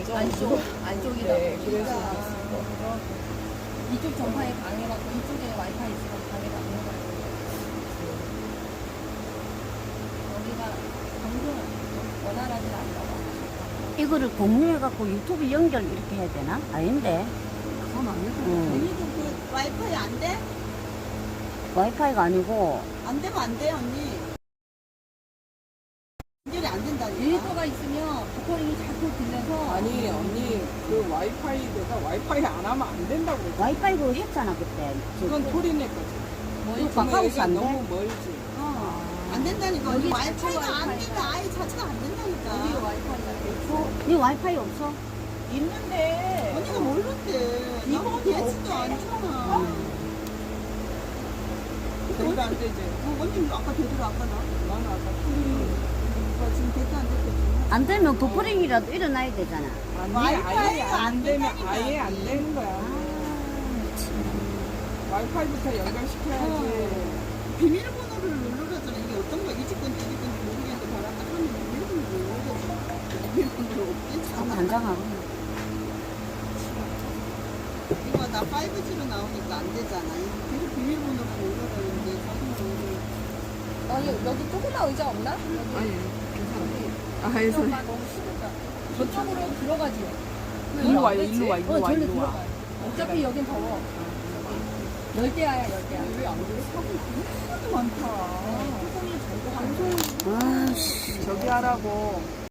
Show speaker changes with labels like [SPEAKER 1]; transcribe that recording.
[SPEAKER 1] 안쪽이다
[SPEAKER 2] 네,
[SPEAKER 1] 보니까
[SPEAKER 2] 그래서
[SPEAKER 1] 이쪽 전파에 강해갖고 이쪽에 와이파이 있으면 강해가 안 나가요. 여기가 방송을 원활하진 않다고.
[SPEAKER 3] 이거를 공유해갖고 유튜브 연결 이렇게 해야 되나? 아닌데.
[SPEAKER 1] 그건 아니고.
[SPEAKER 4] 언니도 그 와이파이 안 돼?
[SPEAKER 3] 와이파이가 아니고,
[SPEAKER 4] 안 되면 안 돼, 언니. 연결이 안 된다니까.
[SPEAKER 1] 데이터가 있으면 버퍼링이 자꾸 들려서
[SPEAKER 2] 아니 언니 그 와이파이 내가 와이파이 안 하면 안 된다고 그랬지.
[SPEAKER 3] 와이파이 그거 했잖아, 그때.
[SPEAKER 2] 그건 토리네 거지.
[SPEAKER 3] 이거 가까워서 안 돼?
[SPEAKER 2] 너무 멀지.
[SPEAKER 4] 안 된다니까. 언니
[SPEAKER 1] 여기
[SPEAKER 4] 와이파이가
[SPEAKER 1] 자체
[SPEAKER 4] 안
[SPEAKER 1] 와이파이가.
[SPEAKER 4] 된다. 아예 자체가 안
[SPEAKER 1] 여기
[SPEAKER 4] 된다니까.
[SPEAKER 1] 와이파이가 돼 있어.
[SPEAKER 3] 이 와이파이 없어?
[SPEAKER 2] 있는데
[SPEAKER 4] 언니가 모르는데. 이거 되지도 않잖아.
[SPEAKER 2] 그러니까 안 되지.
[SPEAKER 4] 언니 아까 되더라, 아까 나.
[SPEAKER 2] 나는 아까 토리
[SPEAKER 4] 지금 됐다 안 됐다.
[SPEAKER 3] 안 되면 버퍼링이라도 일어나야 되잖아.
[SPEAKER 2] 아니
[SPEAKER 4] 와이파이가
[SPEAKER 2] 아예 안
[SPEAKER 4] 안
[SPEAKER 2] 되면
[SPEAKER 4] 된다니까,
[SPEAKER 2] 아예 안
[SPEAKER 4] 언니.
[SPEAKER 2] 되는 거야. 와이파이부터 연결시켜야지.
[SPEAKER 4] 비밀번호를 누르라잖아. 이게 어떤 거야? 이 집 건지 이 집 건지 모르겠는데 바로 딱 하면 비밀번호를 누르라잖아. 비밀번호를
[SPEAKER 3] 참
[SPEAKER 4] 없겠잖아.
[SPEAKER 3] 단장하고.
[SPEAKER 4] 이거 나 5G로 나오니까 안 되잖아. 계속 비밀번호를 누르라는데 자기는
[SPEAKER 1] 아니 여기 조그만 의자 없나?
[SPEAKER 2] 아니 괜찮아. 아 해서
[SPEAKER 1] 의자가 너무 싫다. 저쪽으로 들어가지.
[SPEAKER 2] 일로 와요. 일로 와. 일로 와.
[SPEAKER 1] 절로
[SPEAKER 2] 일로 와.
[SPEAKER 1] 들어가요. 어차피 여긴 더워. 열대야야 열대야. 왜안 돼?
[SPEAKER 4] 하도 많다.
[SPEAKER 3] 아씨.
[SPEAKER 2] 저기 하라고.